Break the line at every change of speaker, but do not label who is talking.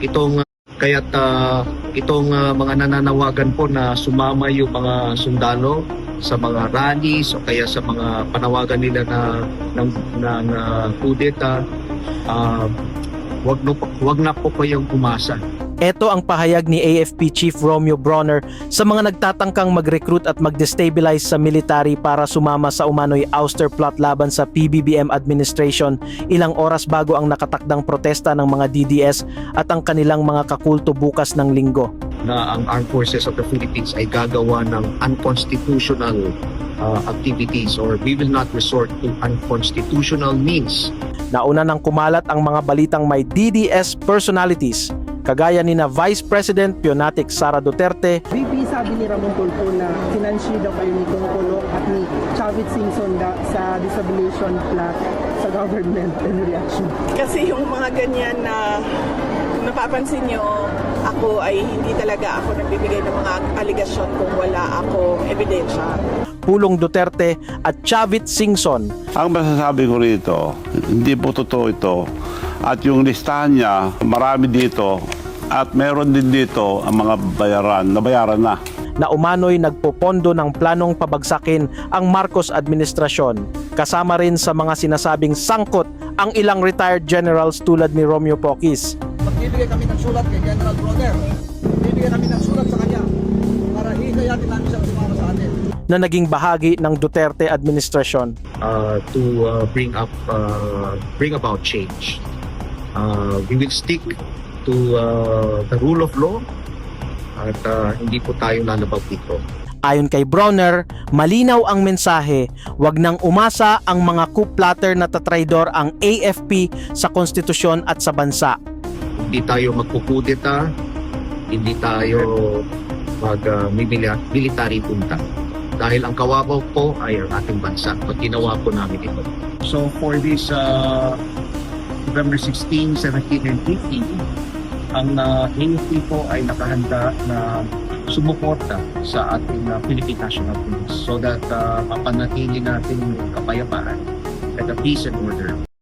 Itong mga nananawagan po na sumama yung mga sundalo sa mga rallies o kaya sa mga panawagan nila na kudeta, wag na po kayong umasa.
Ito ang pahayag ni AFP Chief Romeo Bronner sa mga nagtatangkang mag-recruit at mag-destabilize sa military para sumama sa umano'y ouster plot laban sa PBBM administration ilang oras bago ang nakatakdang protesta ng mga DDS at ang kanilang mga kakulto bukas ng Linggo.
Na ang Armed Forces of the Philippines ay gagawa ng unconstitutional activities, or we will not resort to unconstitutional means.
Nauna nang kumalat ang mga balitang may DDS personalities kagaya ni na Vice President Pionatic Sara Duterte.
VP, sabi ni Ramon Tulfo na finansya daw kayo ni Tungkolo at ni Chavit Singson sa disabilitation plot sa government in reaction.
Kasi yung mga ganyan na napapansin nyo, ako ay hindi talaga ako nagbibigay ng mga aligasyon kung wala akong ebidensya.
Pulong Duterte at Chavit Singson.
Ang masasabi ko rito, hindi po totoo ito. At yung listahan niya, marami dito at meron din dito ang mga nabayaran na.
Na umano'y nagpopondo ng planong pabagsakin ang Marcos administrasyon. Kasama rin sa mga sinasabing sangkot ang ilang retired generals tulad ni Romeo Pocis.
Magbibigay kami ng sulat kay General Bronner. Magbibigay kami ng sulat sa kanya para hikayatin namin siya sumama sa atin.
Na naging bahagi ng Duterte administrasyon.
To bring about change. We will stick to the rule of law at hindi po tayo lalabag dito.
Ayon kay Bronner, malinaw ang mensahe, wag nang umasa ang mga coup plotter na tatraidor ang AFP sa konstitusyon at sa bansa.
Hindi tayo magkukudeta, hindi tayo military punta. Dahil ang kawabaw po ay ang ating bansa at ginawa po namin ito. So for this November 16, 17, and 18, ang AFP po ay nakahanda na sumuporta sa ating Philippine National Police so that mapanatili natin yung kapayapaan at the peace and order.